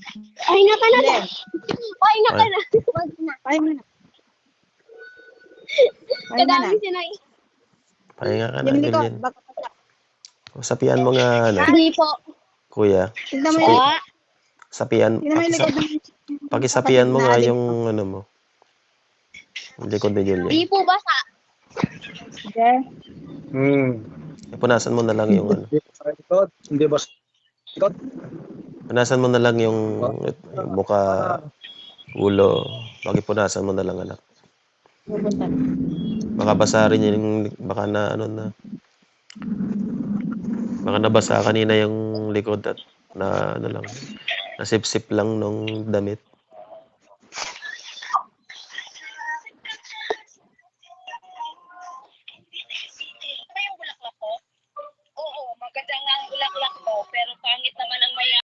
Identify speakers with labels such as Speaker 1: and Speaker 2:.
Speaker 1: Pahinga ka na.
Speaker 2: Len.
Speaker 1: Pahinga ka na. Wag na.
Speaker 2: Pahinga na. Pahinga na.
Speaker 1: Kadami sinay.
Speaker 3: Pahinga ka na,
Speaker 2: Yung likod,
Speaker 3: Lilin.
Speaker 2: baka pasak.
Speaker 3: Sapian mo nga, ano,
Speaker 1: Hindi po.
Speaker 3: kuya.
Speaker 2: Tignan mo yung likod.
Speaker 3: Sapian,
Speaker 2: Tignan mo yung likod ng
Speaker 3: pakisapian mo nga
Speaker 2: kapatid na
Speaker 3: yung, ano mo. Yung likod ni Julia.
Speaker 1: Hindi po basa.
Speaker 2: Sige.
Speaker 3: Punasan mo na lang yung, ano.
Speaker 4: Hindi ba sa likod?
Speaker 3: Punasan mo na lang yung mukha, ulo. Pakipunasan mo na lang, anak.
Speaker 2: Pupunta.
Speaker 3: Baka basa rin yung, baka na, ano na. Baka nabasa kanina yung likod at na, ano lang, nasipsip lang nung damit.